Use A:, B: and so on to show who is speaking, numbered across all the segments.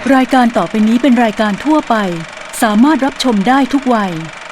A: รายการต่อไปนี้เป็นรายการทั่วไปสามารถรับชมได้ทุกวัย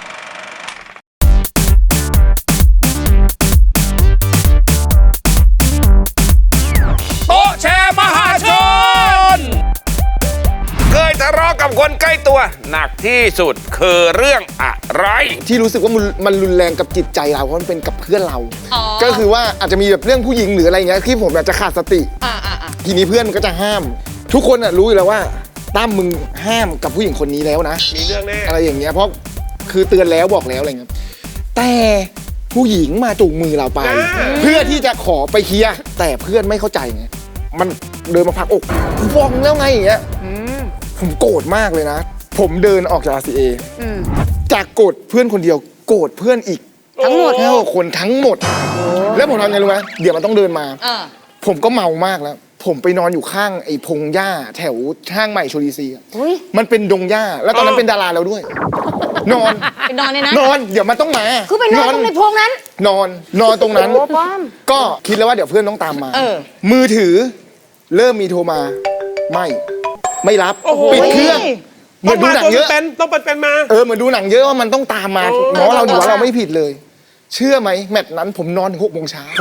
B: โต๊ะแชร์มหาชนเคยทะเลาะกับคนใกล้ตัวหนักที่สุดคือเรื่องอะไร
C: ที่รู้สึกว่ามันรุนแรงกับจิตใจเราเพราะมันเป็นกับเพื่อนเราก็คือว่าอาจจะมีแบบเรื่องผู้หญิงหรืออะไรเงี้ยที่ผมอยากจะขาดสติทีนี้เพื่อนมันก็จะห้ามทุกคนรู้อยู่แล้วว่าตั้มมึงห้ามกับผู้หญิงคนนี้แล้วนะ
B: มีเรื่องแน่
C: อะไรอย่างเงี้ยเพราะคือเตือนแล้วบอกแล้วอะไรเงี้ยแต่ผู้หญิงมาจูงมือเราไปเพื่อที่จะขอไปเคลียร์แต่เพื่อนไม่เข้าใจไงมันเดินมาผลักอกฟ้องแล้วไงอย่างเงี้ยผมโกรธมากเลยนะผมเดินออกจาก RCA จากโกรธเพื่อนคนเดียวโกรธเพื่อนอีกทั้งหมดแค่คนทั้งหมดแล้วผมทำไงรู้ไหมเดี๋ยวมันต้องเดินมาผมก็เมามากแล้วผมไปนอนอยู่ข้างไอ้พงหญ้าแถวห้างใหม่โชลีซีมันเป็นดงหญ้าแล้วตอนนั้นเป็นดาราแล้วด้วยนอน
D: ไปนอนเลยนะ
C: นอนเดี๋ยวมันต้องมา
D: คือไปนอนตรงในพงนั้น
C: นอนตรงนั้นก็คิดแล้วว่าเดี๋ยวเพื่อนต้องตามมามือถือเริ่มมีโทรมาไม่รับปิดเครื่องเหมือนดูหนังเยอะ
B: ต้องเป็นมา
C: เหมือนดูหนังเยอะว่ามันต้องตามมาน้องเราอยู่ว่าเราไม่ผิดเลยเชื่อไหมแมตช์นั้นผมนอนถึง6 โมงเช้า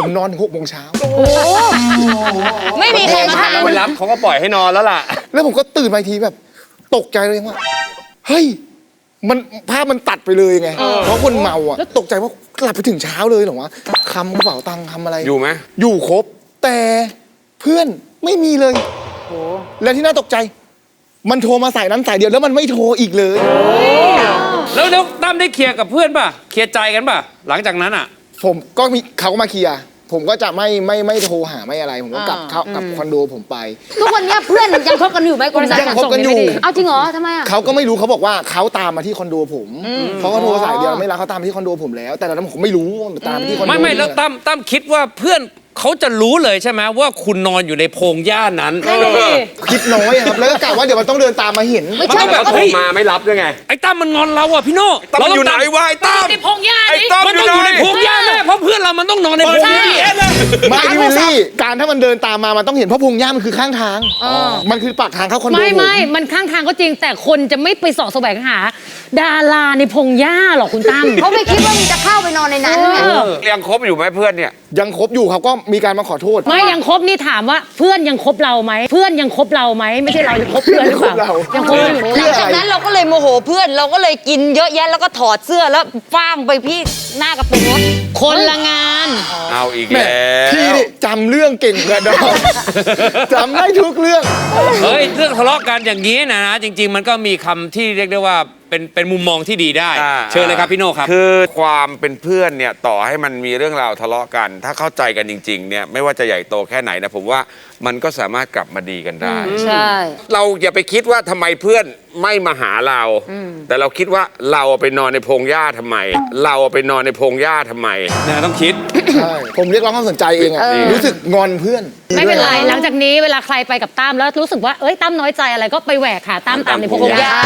D: ไม่มีใครมา
B: ไม่รับเขาก็ปล่อยให้นอนแล้วล่ะ
C: แล้วผมก็ตื่นมาทีแบบตกใจเลยว่าเฮ้ยมันภาพมันตัดไปเลยไงเพราะคนเมาอ่ะแล้วตกใจว่าหลับไปถึงเช้าเลยเหรอวะคำกระเป๋าตังค์คำอะไร
B: อยู่ไหม
C: อยู่ครบแต่เพื่อนไม่มีเลยและที่น่าตกใจมันโทรมาสายนั้นสายเดียวแล้วมันไม่โทรอีกเลย
E: แล้วตั้มได้เคลียร์กับเพื่อนป่ะเคลียร์ใจกันป่ะหลังจากนั้นอ่ะ
C: ผมก็มีเขาก็มาเคลียร์ผมก็จะไม่โทรหาไม่อะไรผมก็กลับเข้ากับคอนโดผมไป
D: ทุกวันนี้เพื่อนยังคบกันอยู่ไหม
C: ยังคบกันอยู่
D: เอาจริงเหรอทำไมอ่ะ
C: เขาก็ไม่รู้เขาบอกว่าเขาตามมาที่คอนโดผมเขาก็โทรสายเดียวไม่รับเขาตามมาที่คอนโดผมแล้วแต่ตอนนั้นผมไม่รู้ตามที่คอนโด
E: ไม่แล้วตั้มคิดว่าเพื่อนเขาจะรู้เลยใช่ไหมว่าคุณนอนอยู่ในโพรงหญ้านั้น
C: คิดน้อยครับแล้วก็กะว่าเดี๋ยวมันต้องเดินตามมาเห็น
D: ไม่ใช่
B: แบบโทรมาไม่รับด้วยไง
E: ไอ้ตั้มมันงอนเราอ่ะพี่โน่
B: เราอยู่ไหนวะไอ้ตั้ม
D: ในโพรงหญ้า
B: ไอ้ตั้ม
E: มันต้องอยู่ในโพรงหญ้าแน่เพราะเพื่อนเรามันต้องนอนในโพรงหญ้า
C: ไม่พี่วิลลี่การถ้ามันเดินตามมามันต้องเห็นเพราะพงหญ้ามันคือข้างทางมันคือปากทางเข้าคอนโด
D: ไม่มันข้างทางก็จริงแต่คนจะไม่ไปเสาะแสวงหาดาราในพงหญ้าหรอกคุณตั้มเขาไม่คิดว่ามันจะเข้าไปนอนในนั้น
B: ยังคบอยู่ไหมเพื่อนเนี่ย
C: ยังคบอยู่เขาก็มีการมาขอโทษ
D: ไม่ยังคบนี่ถามว่าเพื่อนยังคบเราไหมเพื่อนยังคบเราไหมไม่ใช่เรายังคบเพื่อนหรือเปล่ายังคบอยู่หลังจากนั้นเราก็เลยโมโหเพื่อนเราก็เลยกินเยอะแยะแล้วก็ถอดเสื้อแล้วฟ้างไปพี่หน้ากระโปรงรถคนละงาน
B: เอาอีกแล้ว
C: พี่จำเรื่องเก่งกระดองจำได้ทุกเรื่อง
E: เฮ้ยเรื่องทะเลาะกันอย่างนี้นะจริงๆมันก็มีคำที่เรียกได้ว่าเป็นมุมมองที่ดีได้เชิญเลยครับพี่โน่ครับ
B: คือความเป็นเพื่อนเนี่ยต่อให้มันมีเรื่องราวทะเลาะกันถ้าเข้าใจกันจริงๆเนี่ยไม่ว่าจะใหญ่โตแค่ไหนนะผมว่ามันก็สามารถกลับมาดีกันได้
D: ใช่
B: เราอย่าไปคิดว่าทำไมเพื่อนไม่มาหาเราแต่เราคิดว่าเราไปนอนในพงหญ้าทำไมเราไปนอนในพงหญ้าทำไม
E: เนี่ยต้องคิด
C: ใช่ผมเรียกร้องความสนใจเองอะรู้สึกงอนเพื่อน
D: ไม่เป็นไรหลังจากนี้เวลาใครไปกับตั้มแล้วรู้สึกว่าเอ้ยตั้มน้อยใจอะไรก็ไปแหวกหาตั้มตามในพงหญ้า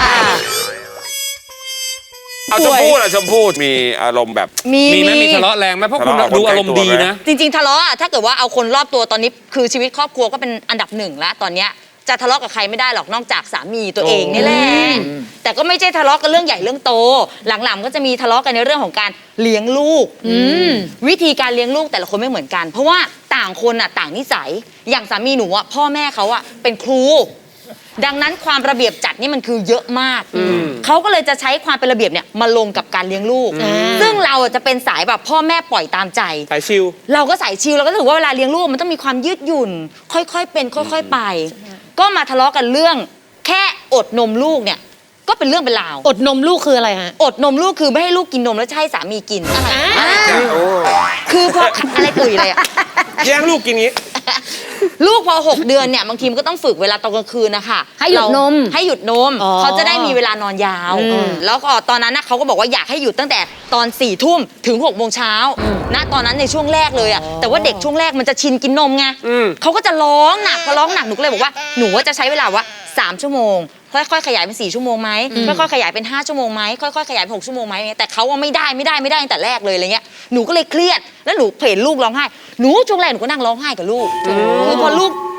B: เอาชมพู่ล่ะชมพู่มีอารมณ์แบบ
E: มีไหมมีทะเลาะแรงไหมเพราะคุณดูอารมณ์ดีนะ
D: จริงๆทะเลาะถ้าเกิดว่าเอาคนรอบตัวตอนนี้คือชีวิตครอบครัวก็เป็นอันดับ1แล้วตอนเนี้ยจะทะเลาะกับใครไม่ได้หรอกนอกจากสามีตัวเองนี่แหละแต่ก็ไม่ใช่ทะเลาะกันเรื่องใหญ่เรื่องโตหลังๆก็จะมีทะเลาะกันในเรื่องของการเลี้ยงลูกวิธีการเลี้ยงลูกแต่ละคนไม่เหมือนกันเพราะว่าต่างคนอ่ะต่างนิสัยอย่างสามีหนูอ่ะพ่อแม่เขาอ่ะเป็นครูดังนั้นความระเบียบจัดนี่มันคือเยอะมากเขาก็เลยจะใช้ความเป็นระเบียบเนี่ยมาลงกับการเลี้ยงลูกซึ่งเราจะเป็นสายแบบพ่อแม่ปล่อยตามใจ
B: สายชิล
D: เราก็สายชิลเราก็รู้สึกว่าเวลาเลี้ยงลูกมันต้องมีความยืดหยุ่นค่อยๆเป็นค่อยๆไปก็มาทะเลาะกันเรื่องแค่อดนมลูกเนี่ยก็เป็นเรื่องเป็นราว
F: อดนมลูกคืออะไรฮะ
D: อดนมลูกคือไม่ให้ลูกกินนมแล้วจะให้สามีกินคือพออะไรกุยอะไรอะ
B: แย่งลูกกินงี้
D: ลูกพอ6 เดือนเนี่ยบางทีมันก็ต้องฝึกเวลาตอนกลางคืนนะคะ
F: ให้หยุดนม
D: เขาจะได้มีเวลานอนยาวแล้วก็ตอนนั้นเขาก็บอกว่าอยากให้หยุดตั้งแต่ตอน4 ทุ่มถึง6 โมงเช้าณตอนนั้นในช่วงแรกเลยอะแต่ว่าเด็กช่วงแรกมันจะชินกินนมไงเขาก็จะร้องหนักพอร้องหนักหนูก็เลยบอกว่าหนูว่าจะใช้เวลาว่า3 ชั่วโมงค่อยๆขยายเป็น4 ชั่วโมงไหมค่อยๆขยายเป็น5 ชั่วโมงไหมค่อยๆขยายเป็น6 ชั่วโมงไหมแต่เขาว่าไม่ได้ตั้งแต่แรกเลยอะไรเงี้ยหนูก็เลยเครียดแล้วหนูเห็นลูกร้องไห้หนูช่วงแรกหนูก็นั่งร้องไห้กับลูกคือพอลูก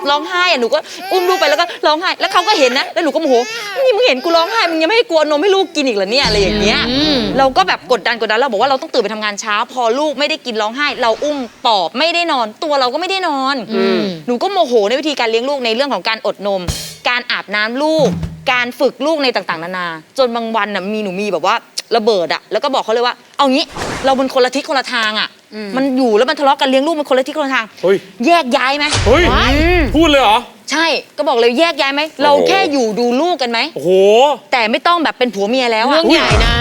D: ร้องไห้อะหนูก็อุ้มลูกไปแล้วก็ร้องไห้แล้วเขาก็เห็นนะแล้วหนูก็โมโหนี่มึงเห็นกูร้องไห้มึงยังไม่ให้กลัวนมให้ลูกกินอีกเหรอเนี่ยอะไรอย่างเงี้ยเราก็แบบกดดันเราบอกว่าเราต้องตื่นไปทำงานเช้าพอลูกไม่ได้กินร้องไห้เราอุ้มปอบไม่ได้นอนตัวเราก็ไม่ได้นอนหนูก็โมโหในวิธีการเลี้ยงลูกในเรื่องของการอดนมการอาบน้ำลูกการฝึกลูกในต่างๆนานาจนบางวันน่ะหนูมีแบบว่าระเบิดอะแล้วก็บอกเขาเลยว่าเอางี้เราเป็นคนละทิศคนละทางอะมันอยู่แล้วมันทะเลาะกันเลี้ยงลูกมันคนละทิศคนละทาง
E: เฮ้ย
D: แยกย้ายไหม
E: เฮ้ยพูดเลยเหรอ
D: ใช่ก็บอกเลยแยกย้ายไหมเราแค่อยู่ดูลูกกันไหม
E: โอ้โห
D: แต่ไม่ต้องแบบเป็นผัวเมียแล้ว
F: เรื่
D: อะ
F: องใหญ่นะ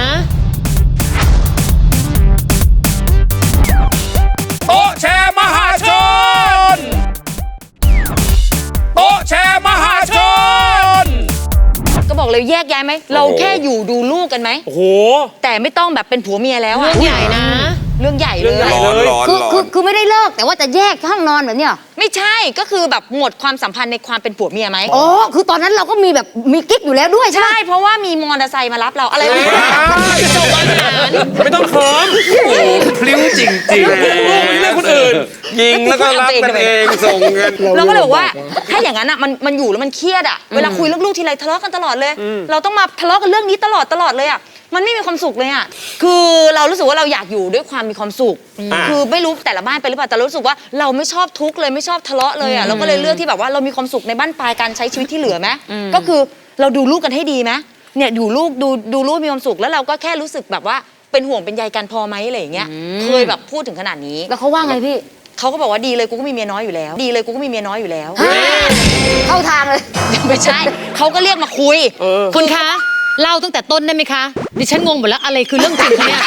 B: โต๊ะแชร์มหาชนโต๊ะแชร์มหาชน
D: ก็บอกเลยแยกย้ายไหมเราแค่อยู่ดูลูกกันไหม
E: โอ้โห
D: แต่ไม่ต้องแบบเป็นผัวเมียแล้ว
F: เรื่
D: อะ
F: องใหญ่นะ
D: เรื่องใหญ่เลย
B: ร้อนร้อน
G: คือ
B: ร้อ
G: คือน คือไม่ได้เลิกแต่ว่าจะแยกห้องนอนแบบเนี้ย
D: ไม่ใช่ก็คือแบบหมดความสัมพันธ์ในความเป็นผัวเมียไหม
G: อ๋อคือตอนนั้นเราก็มีแบบมีกิ๊กอยู่แล้วด้วยใช่ไหม
D: ใช่เพราะว่ามีมอเตอร์ไซค์มารับเราอะไรแบบนี้
E: ไม่ต้องเขิมโอ้โหพลิ้วจริงๆลูกไม่เลือกคนอื่น
B: ยิงแล้วก็รับกันเองส่งเงิน
D: เราก็เลยบอกว่าถ้าอย่างนั้นอ่ะมันอยู่แล้วมันเครียดอ่ะเวลาคุยเรื่องลูกทีไรทะเลาะกันตลอดเลย เราต้องมาทะเลาะกันเรื่องนี้ตลอดเลยอ่ะมันไม่มีความสุขเลยอ่ะคือเรารู้สึกว่าเราอยากอยู่ด้วยความมีความสุขคือไม่รู้แต่ละบ้านเป็นหรือเปล่าแต่รู้สึกว่าเราไม่ชอบทุกข์เลยไม่ชอบทะเลาะเลยอ่ะเราก็เลยเลือกที่แบบว่าเรามีความสุขในบ้านปลายการใช้ชีวิตที่เหลือไหมก็คือเราดูลูกกันให้ดีไหมเนี่ยดูลูกดูลูกมีความสุขแล้วเราก็แค่รู้สึกแบบว่าเป็นห่วงเป็นใยกันพอไหมอะไรอย่างเงี้ยเคยแบบพูดถึงขนาดนี้
G: แล้วเขาว่าไงพี่
D: เขาก็บอกว่าดีเลยกูก็มีเมียน้อยอยู่แล้วดีเลยกูก็มีเมียน้อยอยู่แล้ว
G: เข้าทางเลย
D: ไม่ใช่เขาก็เรียกมาคุย
F: คุณคะ เล่าตั้งแต่ต้นได้ไหมคะ ดิฉันงงหมดแล้วอะไรคือเรื่องจริงคะเนี่ย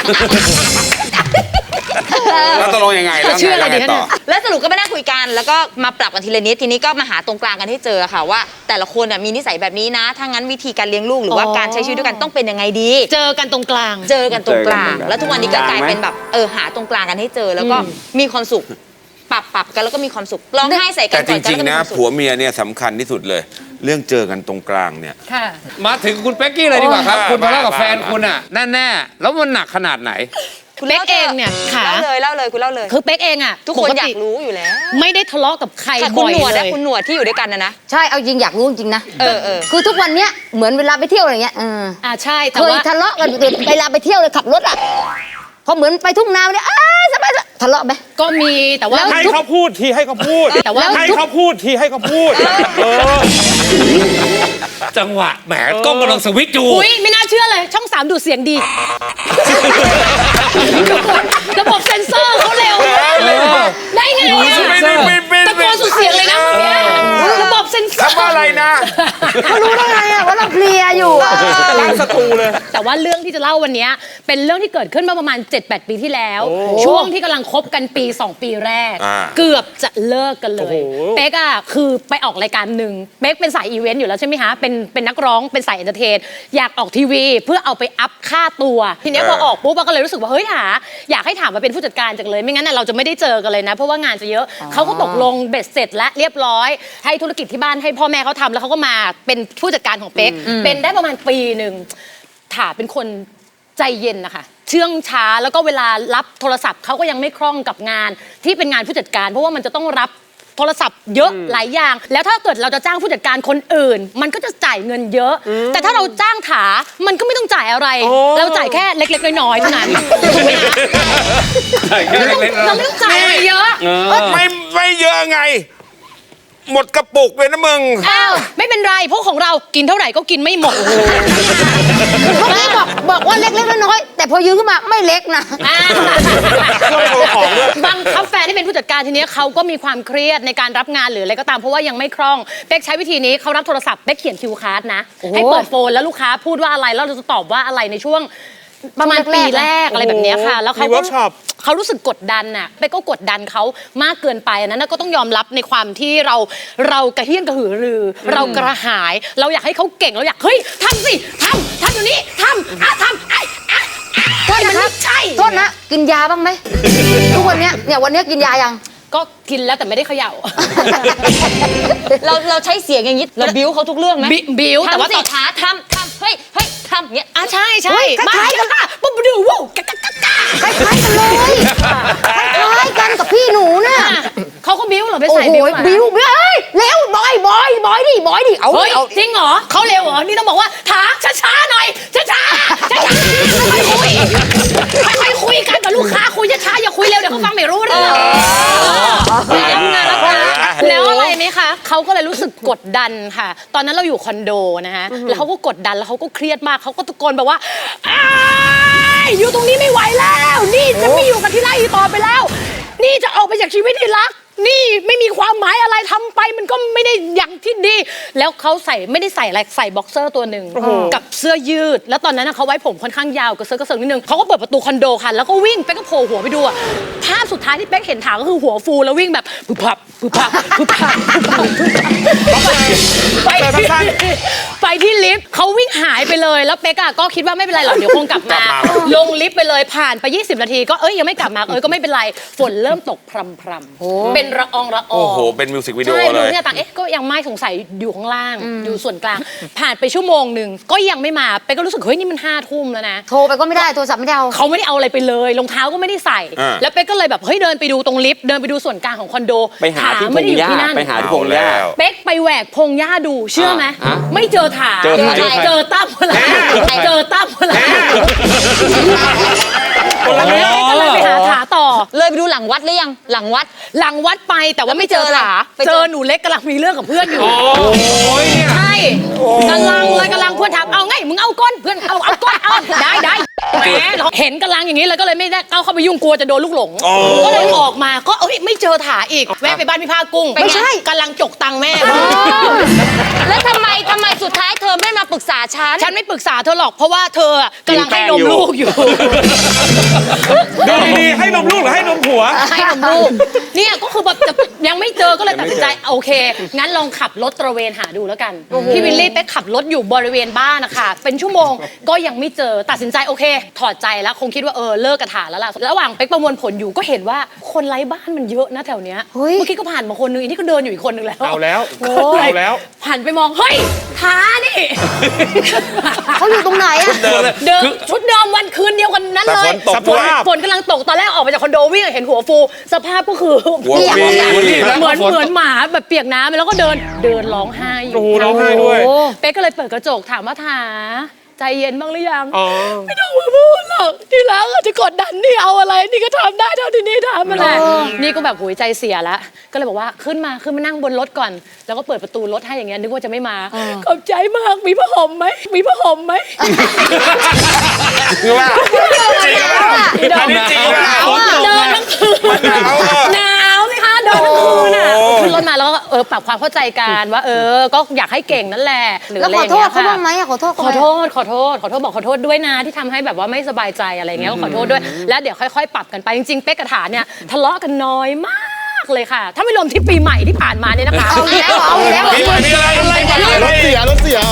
B: แล้วตกลงยังไงแล้ว
F: ชื่ออะไร
B: ไง
F: ดีคะ
B: ต่อ
F: เนี่ย
D: แล้วสรุปก็ไปนั่งคุยกันแล้วก็มาปรับกันทีละนิดทีนี้ก็มาหาตรงกลางกันให้เจอค่ะว่า แต่ละคนมีนิสัยแบบนี้นะถ้างั้นวิธีการเลี้ยงลูกหรือว่าการใช้ชีวิตด้วยกันต้องเป็นยังไงดี
F: เจอกันตรงกลาง
D: เจอกันตรงกลาง
B: เจอกันตรงกลาง
D: แล้วทุกวันนี้ก็กลายเป็นแบบหาตรงกลางกันให้เจอแล้วก็มีความสุขปรับกันแล้วก็มีความสุขร้องไห้ใส่กัน
B: แต่จ
D: ก่อน
B: ริง
D: แล้วก็
B: ๆ
D: มี
B: นะ
D: ความสุข
B: ผัวเมียเนี่ยสำคัญที่สุดเลย เรื่องเจอกันตรงกลางเนี่ย
F: ค่ะ
E: มาถึงคุณเป๊กกี้เลยดีกว่าครับ
B: โอ้ย
E: คุณทะเลาะกับ
B: บ้า
E: แฟนคุณอ่ะแน่ๆแล้วมันหนักขนาดไหน
D: คุณ
F: เป๊กเองเนี่ยค่ะ
D: เล่าเลยคุณเล่าเลย
F: คือเป๊กเองอ่ะ
D: ทุกคน
F: ป
D: อยากรู้อยู่แล้ว
F: ไม่ได้ทะเลาะกับใคร
D: ค่ะคุ
F: บ่
D: ณ
F: อย
D: หนวด
F: เล
D: และ
F: ย
D: คุณหนวดที่อยู่ด้วยกันนะ
G: ใช่เอาจริงอยากรู้จริงๆนะ
D: เออ
G: คือทุกวันเนี้ยเหมือนเวลาไปเที่ยวอะไรเงี้ย
F: ใช่แต่
G: เคย
F: ว่า
G: ทะเลาะกันเวลาไปเที่ยวเลยขับรถอ่ะพอเหมือนไปทุ่งนาเนี่ยสบายทะเลาะไหม
F: ก็มีแต่ว่า
H: ให้เขาพูดทีให้เขาพูด
F: แต่ว่า
H: ให้เขาพูดทีให้เขาพูด
E: จังหวะแหมกล้องกำลังสวิตช์อยู่
F: อุ้ยไม่น่าเชื่อเลยช่อง 3 ดูดเสียงดีระบบเซ็นเซอร์เขาเร็วได้ไงอะตะโกนสุดเสียงเลยนะเมื่อกี้ระบบเซ็นเซอร์
B: คำว่าอะไรนะ
G: เขารู้ได้ไงอ่ะว่าเราเคลียร์อยู่อะ
H: ล้างศัตรูเลย
F: แต่ว่าเรื่องที่จะเล่าวันนี้เป็นเรื่องที่เกิดขึ้นมาประมาณ 7-8 ปีที่แล้ว ช่วงที่กำลังคบกันปี 2 ปีแรก
B: อ่า
F: เกือบจะเลิกกันเล
H: โอ้
F: ย
H: โห
F: เป๊กอะคือไปออกรายการหนึ่งเป๊กเป็นสายอีเวนต์อยู่แล้วใช่ไหมคะเป็นนักร้องเป็นสายเอนเตอร์เทนอยากออกทีวีเพื่อเอาไปอัพค่าตัวทีเนี้ยพอออกปุ๊บก็เลยรู้สึกว่าเฮ้ยอยากให้ถามมาเป็นผู้จัดการจังเลยไม่งั้นน่ะเราจะไม่ได้เจอกันเลยนะเพราะว่างานจะเยอะเขาก็ตกลงเบ็ดเสร็จและเรียบร้อยให้ธุรกิจที่บ้านให้พ่อแม่เขาทำแล้วเขาก็มาเป็นผู้จัดการของเป๊กเป็นได้ประมาณปีหนึ่งถาเป็นคนใจเย็นนะคะเชื่องช้าแล้วก็เวลารับโทรศัพท์เขาก็ยังไม่คล่องกับงานที่เป็นงานผู้จัดการ เพราะว่ามันจะต้องรับโทรศัพท์เยอะหลายอย่าง แล้วถ้าเกิดเราจะจ้างผู้จัดการคนอื่น มันก็จะจ่ายเงินเยอะ แต่ถ้าเราจ้างถามันก็ไม่ต้องจ่ายอะไร เราจ่ายแค่เล็กๆน้อยๆเท่านั้นถูกไหมคะ เราไม่ต้องจ่ายอะไรเยอะ
B: ไม่เยอะไง หมดกระปุกเลยนะมึง
F: อ้าวไม่เป็นไรเพราะของเรากินเท่าไหร่ก็กินไม่หมด
G: เมื่อกี้บอกว่าเล็กๆน้อยๆแต่พอยืนขึ้นมาไม่เล็กนะ
F: บังคับแฟนที่เป็นผู้จัดการทีเนี้ยเขาก็มีความเครียดในการรับงานหรืออะไรก็ตามเพราะว่ายังไม่คล่องเป๊กใช้วิธีนี้เขารับโทรศัพท์เป๊กเขียนคิวการ์ดนะให้เปิดโฟนแล้วลูกค้าพูดว่าอะไรแล้วเราจะตอบว่าอะไรในช่วงประมาณปีแรกอะไรแบบเนี้ยค่ะ แล้วเขา
H: มีเวิร์กช็อป
F: เขารู้สึกกดดันน่ะเป๊กก็กดดันเขามากเกินไปอันนั้นนะก็ต้องยอมรับในความที่เรากระเฮี้ยนกระหือรือ เรากระหาย เราอยากให้เขาเก่งเราอยากเฮ้ยทำสิทำอยู่นี่ทำทำ
G: โทษนะครับ
F: ใช่
G: โทษนะกินยาบ้างไหมทุกวันเนี้ยวันเนี้ยกินยายัง
F: ก็กินแล้วแต่ไม่ได้เขย่า
D: เราใช้เสียงอย่างนี้เราบิ้วเขาทุกเรื่องไหม
F: บิ้วแต่ว่า
D: ทำสิ
F: ตอน
D: ขาทำเฮ้ยทำอย่างเงี้ย
F: อ่ะใช่
G: เฮ้ยคล้ายๆกัน
F: ปุ๊บดูวู้กะกะกะกะ
G: คล้ายๆกันเลยคล้ายๆกันกับพี่หนูน่ะ
F: เขาก็บิ้วเหรอไป
G: โอ้
F: ใส่
G: โห
F: บิ้วมา
G: บิ้วเอ้ยเร็วบอยดิเอา
F: เฮ้ย
G: เอา
F: จริงเหรอเขาเร็วเหรอนี่ต้องบอกว่าถาช้าๆหน่อยช้าๆค่อยๆคุยค่อยๆคุยกันกับลูกค้าคุยช้าๆอย่าคุยเร็วเดี๋ยวเขาฟังไม่รู้เรื่องแล้วอะไรไหมคะเขาก็เลยรู้สึกกดดันค่ะ ตอนนั้นเราอยู่คอนโดนะฮะแล้วเขาก็กดดันแล้วเขาก็เครียดมากเขาก็ตะโกนแบบว่าอ้ายอยู่ตรงนี้ไม่ไหวแล้ว นี่จะไม่อยู่กับที่ไร่อีกต่อไปแล้ว นี่จะออกไปจากชีวิตที่รัก นี่ไม่มีความหมายอะไรทำไปมันก็ไม่ได้อย่างที่ดี แล้วเขาไม่ได้ใส่อะไรใส่บ็อกเซอร์ตัวหนึ่งกับเสื้อยืด แล้วตอนนั้นนะเขาไว้ผมค่อนข้างยาวกับเสื้อกระเซิงนิดนึงเขาก็เปิดประตูคอนโดค่ะแล้วก็วิ่งเป๊กก็โผล่หัวไปดูอะภาพสุดท้ายที่เป๊กเห็นถางก็คือหัวฟูแล้ววิ่งแบบพึบพับไปที่ลิฟต์เขาวิ่งหายไปเลยแล้วเป๊กก็คิดว่าไม่เป็นไรหรอกเดี๋ยวคงกลับมาลงลิฟต์ไปเลยผ่านไป20 นาทีก็ยังไม่กลับมาก็ไม่เป็นไรฝนเริ่มตกพรำเป็นละออง
B: โอ้โหเป็นมิวสิกวิดีโอ
F: ใช่
B: เลย
F: เนี่ยต่างก็ยังไม่สงสัยอยู่ข้างล่างอยู่ส่วนกลาง ผ่านไปชั่วโมงหนึ่งก็ยังไม่มาเป๊กก็รู้สึกเฮ้ยนี่มัน5 ทุ่มแล้วนะ
G: โทรไปก็ไม่ได้โทรศัพท์ไม่ได้เอา
F: เขาไม่ได้เอาอะไรไปเลยรองเท้าก็ไม่ได้ใส่ แล้วเป๊กก็เลยแบบเฮ้ยเดินไปดูตรงลิฟต์เดินไปดูส่วนกลางของคอนโด
H: ไปหาที่พ
F: ไม่
H: ง
F: ได้อยู่
H: หญ้า
F: ที่นั่น
H: ไปหาที่พงหญ้า
F: เป๊กไปแหวกพงหญ้าดูเชื่อไหม
H: อ่ะ
F: ไม่เจอถา
H: เจอใคร
F: เจอตั้มอะไรเจอตั้มอะไรแล้วเป๊กก็เลยไปหาถาต่อ
D: เลยไปดูหลังวัดหรือยังหลังวัด
F: หลังวัดไปแต่ว่าไม่เจอถา
D: ไปเจอ
F: เจอหนูเล็กกำลังมีเรื่องกับเพื่อนอยู่ ใช่กำลังเพื่อนถามเอาไงมึงเอาก้นเพื่อนเอาก้นเอาได้แหมเห็นกำลังอย่างนี้เลยก็เลยไม่ได้เข้าไปยุ่งกลัวจะโดนลูกหลงก็เลยออกมาก็ไม่เจอถาอีกแวะไปบ้านพี่ภาคกุ้งไม่ใช่กำลังจกตังค์แม่
D: แล้วทำไมสุดท้ายเธอไม่มาปรึกษาฉัน
F: ฉันไม่ปรึกษาเธอหรอกเพราะว่าเธอกำลังให้นมลูกอยู่
H: ดูดีๆให้นมลูกหรือให้นมผัว
F: ให้นมลูกเนี่ยก็คือแบบยังไม่เจอก็เลยตัดสินใจโอเคงั้นลองขับรถตระเวนหาดูแล้วกันพี่วิลลี่ไปขับรถอยู่บริเวณบ้านนะคะเป็นชั่วโมงก็ยังไม่เจอตัดสินใจโอเคถอดใจแล้วคงคิดว่าเลิกกระถาแล้วล่ะระหว่างเป๊กประมวลผลอยู่ก็เห็นว่าคนไร้บ้านมันเยอะนะแถวเนี้ย
G: เฮ้ย
F: เมื่อกี้ก็ผ่านมาคนนึงอีกนี่ก็เดินอยู่อีกคนนึงแล้ว
H: เอาแล้ว
F: โอ้ย
H: เอาแล้ว
F: หันไปมองเฮ้ยท้านี่
G: เขาอยู่ตรงไหนอะ
F: เดิมชุดเดิมวันคืนเดียวกันนั้น
B: แต่
F: เลย
B: ฝนตกด้วย
F: ฝนกำลังตกตอนแรกออกมาจากคอนโดวิ่งเห็นหัวฟู สภาพก็คือ
B: หัวปี
F: เหมือนหมาแบบเปียกน้ำแล้วก็เดินร้องไห้อยู่
H: โอ้โหร้องไห้ด้วย
F: โอ้เป๊กก็เลยเปิดกระจกถามว่าถาใจเย็นบ้างหรือยัง
H: อ๋อ
F: ไม่ต้องมาพูดหรอกที่รักอาจจะกดดันนี่เอาอะไรนี่ก็ทำได้เท่าที่นี่ทำมาแหละนี่ก็แบบหัวใจเสียแล้วก็เลยบอกว่าขึ้นมานั่งบนรถก่อน แล้วก็เปิดประตูรถให้อย่างเงี้ยนึกว่าจะไม่มาขอบใจมากมีผ้าห่มไหมมีผ้าห่มไหม
B: คือว่าจริงว่าอันนี้จริงว่า
F: เดินทั้งคืนหนาวสิคะเดินทั้งคืนอ่ะขึ้นรถมาแล้วก็ปรับความเข้าใจกันว่าก็อยากให้เก่งนั่นแหละหรือ
G: แล้ว
F: อะไร
G: ข
F: อ
G: อย่าง โท
F: เงี้
G: ษ
F: ย
G: เขา
F: ค่ะ
G: บ้างไหมอะขอโทษ
F: ขอโทษบอกขอโทษด้วยนะที่ทำให้แบบว่าไม่สบายใจอะไรเงี้ยก็ขอโทษด้วยแล้วเดี๋ยวค่อยๆ ปรับกันไปจริงๆเป๊กกับฐานเนี่ยทะเลาะกันน้อยมากเลยค่ะ ถ้าไม่รวมที่ปีใหม่ที่ผ่านมาเนี่ยนะคะ
G: เอาแล้ว
B: มีอะไร
C: รถเสีย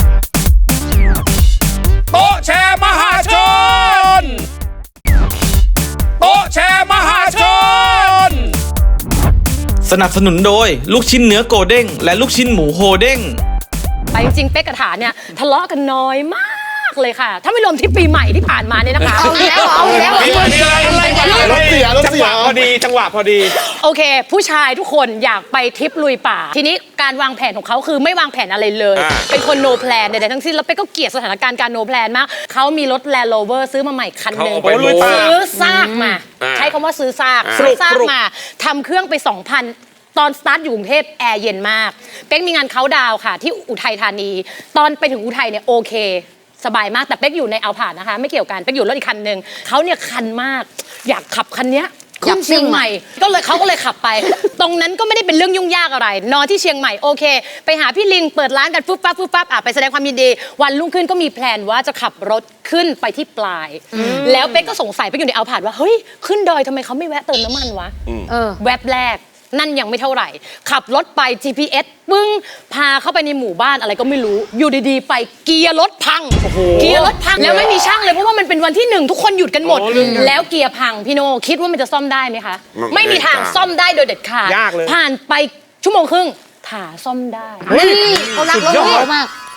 B: โต๊ะแชร์มหาชนโต๊ะแชร์มหาชน
I: สนับสนุนโดยลูกชิ้นเนื้อโกเด้งและลูกชิ้นหมูโฮเด้ง
F: แต่จริงๆเป๊กกับฐานเนี่ยทะเลาะกันน้อยมากเลยค่ะ ถ้าไม่รวมที่ปีใหม่ที่ผ่านมาเนี่ยนะคะ
G: เอาแล้ว
B: มีอะไร
C: รถเสีย
H: จังหวะพอดีจังหวะพอดี
F: โอเค ผู้ชายทุกคนอยากไปทริปลุยป่า ทีนี้การวางแผนของเขาคือไม่วางแผนอะไรเลย เป็นคน no plan ใดๆทั้งสิ้นแล้วเป๊กก็เกลียดสถานการณ์การ no plan มากเขามีรถ Land Rover ซื้อมาใหม่คันหนึ่ง
B: เขาเอาไปลุยป่า
F: ซื้อซากมา ใช้คำว่าซื้อซากมาทำเครื่องไป 2,000 ตอนสตาร์ทอยู่กรุงเทพแอร์เย็นมากเป๊กมีงานเขาน์ดาวน์ค่ะที่อุทัยธานี ตอนไปถึงอุทัยเนี่ยโอเค สบายมากแต่เป๊กอยู่ในเอาผ่านนะคะไม่เกี่ยวกันเป๊กอยู่รถอีกคันหนึ่งเขาเนี่ยคันมากอยากขับคันเนี้ยขึ้นเชียงใหม่เขาก็เลยขับไป ตรงนั้นก็ไม่ได้เป็นเรื่องยุ่งยากอะไรนอนที่เชียงใหม่โอเค ไปหาพี่ลิงเปิดร้านกันฟุบปั๊บไปแสดงความยินดีวันรุ่งขึ้นก็มีแพลนว่าจะขับรถขึ้นไปที่ปลาย แล้วเป๊กก็สงสัยเป๊กอยู่ในเอาผ่านว่าเฮ้ยขึ้นดอยทำไมเขาไม่แวะเติมน้ำมันวะแวบแรกนั่นยังไม่เท่าไหร่ขับรถไป GPS ปึ้งพาเข้าไปในหมู่บ้านอะไรก็ไม่รู้อยู่ดีๆไปเกียร์รถพังแล้วไม่มีช่างเลยเพราะว่ามันเป็นวันที่ 1ทุกคนหยุดกันหมด แล้วเกียร์พังพี่โนคิดว่ามันจะซ่อมได้ไหมคะไม่มีทางซ่อมได้โดยเด็ดขาด
H: ยากเลย
F: ผ่านไปชั่วโมงครึ่งถาซ่อมได้
G: เฮ้ยเขารักรถเขามาก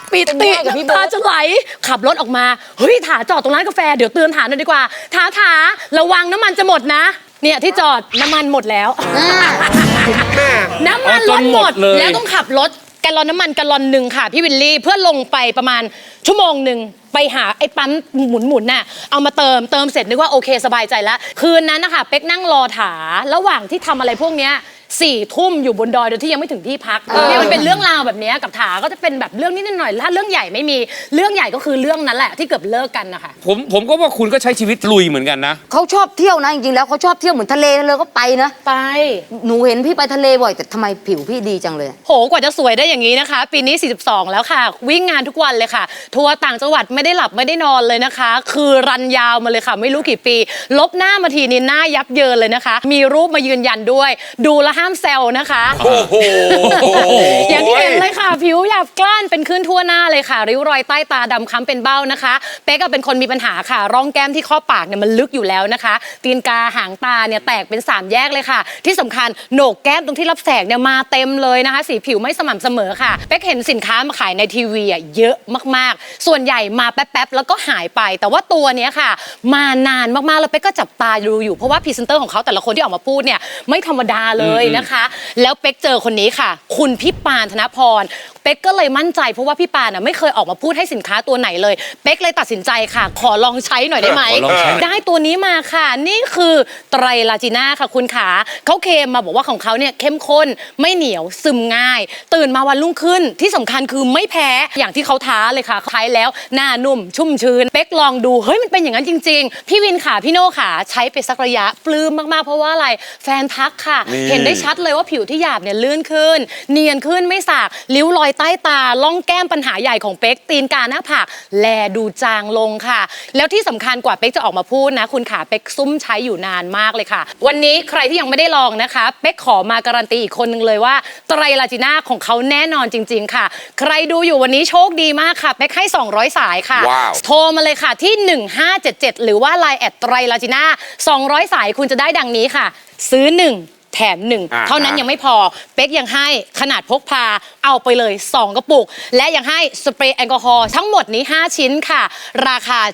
F: ปิติ
G: กับพี่โบ๊ท
F: ตาจะไหลขับรถออกมาเฮ้ยถาจอดตรงร้านกาแฟเดี๋ยวเตือนถาหน่อยดีกว่าถาระวังน้ำมันจะหมดนะเนี่ยที่จอดน้ำมันหมดแล้ว น้ำมันรถหมดแล้วต้องขับรถแกลลอนน้ำมันแกลลอนหนึ่งค่ะพี่วิลลี่เพื่อลงไปประมาณชั่วโมงหนึ่งไปหาไอ้ปั๊มหมุนน่ะเอามาเติมเสร็จนึกว่าโอเคสบายใจแล้วคืนนั้นนะคะเป๊กนั่งรอถาระหว่างที่ทำอะไรพวกเนี้ย4 ทุ่มอยู่บนดอยโดยที่ยังไม่ถึงที่พักเนี่ยมันเป็นเรื่องราวแบบเนี้ยกับถาก็จะเป็นแบบเรื่องนิดหน่อยถ้าเรื่องใหญ่ไม่มีเรื่องใหญ่ก็คือเรื่องนั้นแหละที่เกือบเลิกกันนะคะ
E: ผมก็ว่าคุณก็ใช้ชีวิตลุยเหมือนกันนะ
G: เขาชอบเที่ยวนะจริงๆแล้วเขาชอบเที่ยวเหมือนทะเลเลยก็ไปนะ
F: ไป
G: หนูเห็นพี่ไปทะเลบ่อยแต่ทำไมผิวพี่ดีจังเลย
F: โหกว่าจะสวยได้อย่างนี้นะคะ ปีนี้ 42 แล้วค่ะ วิ่งงานทุกวันเลยค่ะ ทัวร์ต่างจังหวัดไม่ได้หลับไม่ได้นอนเลยนะคะ คือรันยาวมาเลยค่ะ ไม่รู้กี่ปี ลบหน้ามาทีนี่หน้ายับเยินเลยนะคะ มีรูปมายืนยันด้วย ดูแลวห้ามแซวนะคะ
B: โอ้โห
F: อย่างที่เห็นเลยค่ะ ผิวหยาบกล้านเป็นขึ้นทั่วหน้าเลยค่ะ ริ้วรอยใต้ตาดำคล้ำเป็นเบ้านะคะเป๊กก็เป็นคนมีปัญหาค่ะ ร่องแก้มที่ข้อปากเนี่ยมันลึกอยู่แล้วนะคะตีนกาหางตาเนี่ยแตกเป็น3 แยกเลยค่ะ ที่สำคัญโหนกแก้มตรงที่รับแสงเนี่ยมาเต็มเลยนะคะ สีผิวไม่สม่ำเสมอค่ะเป๊กเห็นสินค้ามาขายในทีวีเยอะมากๆส่วนใหญ่มาแป๊บๆแล้วก็หายไปแต่ว่าตัวเนี้ยค่ะ มานานมากๆแล้วเป๊กก็จับตาดูอยู่เพราะว่าพรีเซนเตอร์ของเขาแต่ละคนที่ออกมาพูดเนี่ยไม่ธรรมดาเลยนะคะแล้วเป๊กเจอคนนี้ค่ะ คุณพี่ปานธนพรเป๊กก็เลยมั่นใจเพราะว่าพี่ปานไม่เคยออกมาพูดให้สินค้าตัวไหนเลยเป๊กเลยตัดสินใจค่ะ ขอลองใช้หน่อยได้ไหม
E: ขอลองใช้
F: ได้ตัวนี้มาค่ะ นี่คือไตรลาจีน่าค่ะคุณขาเขาเคลมมาบอกว่าของเขาเนี่ยเข้มข้นไม่เหนียวซึมง่าย ตื่นมาวันรุ่งขึ้นที่สำคัญคือไม่แพ้อย่างที่เขาท้าเลยค่ะใช้แล้วหน้านุ่มชุ่มชื้นเป๊กลองดูเฮ้ยมันเป็นอย่างนั้นจริงๆพี่วินขาพี่โน่ขาใช้ไปสักระยะปลื้มมากๆเพราะว่าอะไรแฟนทักค่ะ เห็นได้ชัดเลยว่าผิวที่หยาบเนี่ยลื่นขึ้น เนียนขึ้นไม่สากริ้วรอยใต้ตาล่องแก้มปัญหาใหญ่ของเป๊กตีนกาหน้าผากแลดูจางลงค่ะ แล้วที่สำคัญกว่าเป๊กจะออกมาพูดนะคุณขาเป๊กซุ่มใช้อยู่นานมากเลยค่ะ วันนี้ใครที่ยังไม่ได้ลองนะคะเป๊กขอมาการันตีอีกคนนึงเลยว่าไตรลาจีน่าของเขาแน่นอนจริง ๆ ค่ะ ใครดูอยู่วันนี้โชคดีมากค่ะเป๊กให้200 สายค่ะ
B: ว้าว
F: โทรมาเลยค่ะที่1577หรือว่า Line แอดไตรลาจีน่า200 สายคุณจะได้ดังนี้ค่ะ ซื้อ1แถม1เท่านั้นยังไม่พอเป๊กยังให้ขนาดพกพาเอาไปเลย2 กระปุกและยังให้สเปรย์แอลกอฮอล์ทั้งหมดนี้5 ชิ้นค่ะราคา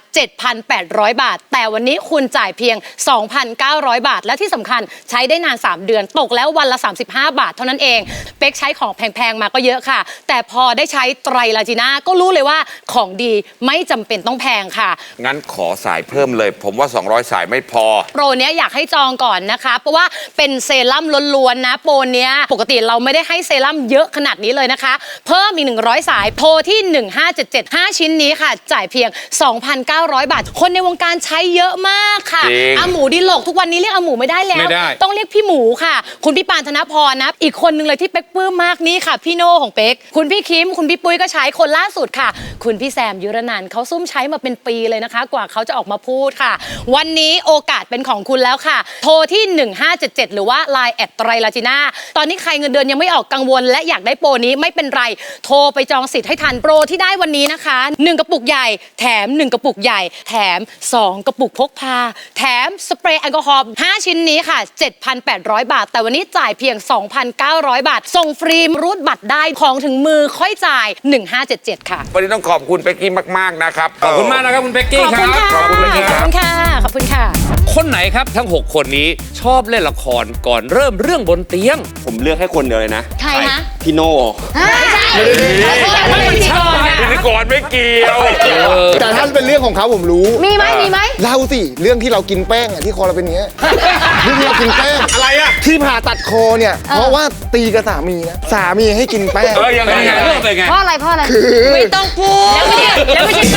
F: 7,800 บาทแต่วันนี้คุณจ่ายเพียง 2,900 บาทและที่สำคัญใช้ได้นาน3 เดือนตกแล้ววันละ35 บาทเท่านั้นเองเป๊กใช้ของแพงๆมาก็เยอะค่ะแต่พอได้ใช้ไตรลาจีน่าก็รู้เลยว่าของดีไม่จำเป็นต้องแพงค่ะ
B: งั้นขอสายเพิ่มเลย ผมว่า 200 สายไม่พอ
F: โปรเนี้ยอยากให้จองก่อนนะคะเพราะว่าเป็นเซรั่มล้วนๆนะโปรเนี้ยปกติเราไม่ได้ให้เซรั่มเยอะขนาดนี้เลยนะคะเพิ่มอีก100 สายโทรที่1577 5 ชิ้นนี้ค่ะจ่ายเพียง 2,900 บาทคนในวงการใช้เยอะมากค่ะ
B: จริง
F: อาหมูดิโลกทุกวันนี้เรียกอาหมูไม่ได้แล้ว
E: ไม่ได้
F: ต้องเรียกพี่หมูค่ะ คุณพี่ปานธนพรนะอีกคนนึงเลยที่เป๊กปลื้มมากนี่ค่ะพี่โน่ของเป๊กคุณพี่คิมคุณพี่ปุ้ยก็ใช้คนล่าสุดค่ะ คุณพี่แซมยุรนันท์เขาซุ่มใช้มาเป็นปีเลยนะคะ กว่าเขาจะออกมาพูดค่ะ วันนี้โอกาสเป็นของคุณแล้วค่ะ โทรที่1577หรือว่า Line แอดไตรลาจีน่าตอนนี้ใครเงินเดือนยังไม่ออกกังวลและอยากได้โปรนี้ไม่เป็นไรโทรไปจองสิทธิ์ให้ทันโปรที่ได้วันนี้นะคะ1 กระปุกใหญ่แถม1 กระปุกใหญ่แถม2 กระปุกพกพาแถมสเปรย์แอลกอฮอล์5 ชิ้นนี้ค่ะ 7,800 บาทแต่วันนี้จ่ายเพียง 2,900 บาทส่งฟรีรูดบัตรได้ของถึงมือค่อยจ่าย1577ค่ะ
B: วันนี้ต้องขอบคุณเป๊กกี้มาก ๆ นะครับ
E: ขอบคุณมากนะครับคุณเป๊กกี้
F: ขอบ
E: ค
F: คุณ
E: รับ
F: ค่ะ
B: ขอบคุณครับ
F: ขอบคุณค่ะขอบคุณค่ะ
E: คนไหนครับทั้ง 6 คนนี้ชอบเล่นละครก่อนเริ่มเรื่องบนเตียง
H: ผมเลือกให้คนเดียวเลยนะ
G: ใครฮะ
H: พี่โน่
F: ไม่ใช่
B: พิธีกรไม่เกี่ยว
C: แต่ถ้าเป็นเรื่องของเขาผมรู้
G: มีไหมมีไหม
C: เล่าสิเรื่องที่เรากินแป้งอะที่คอเราเป็นอย่างเงี้ยเรื่องที่เรากินแป้ง
B: อะไรอะ
C: ที่ผ่าตัดคอเนี่ยเพราะว่าตีกับสามีนะสามีให้กินแป้ง
B: ยังไง
E: เป็นไงเรื่องเป็นไง
G: เพราะอะไรเพราะอะไร
F: ไม่ต้องพูดแล้วไม่ใช่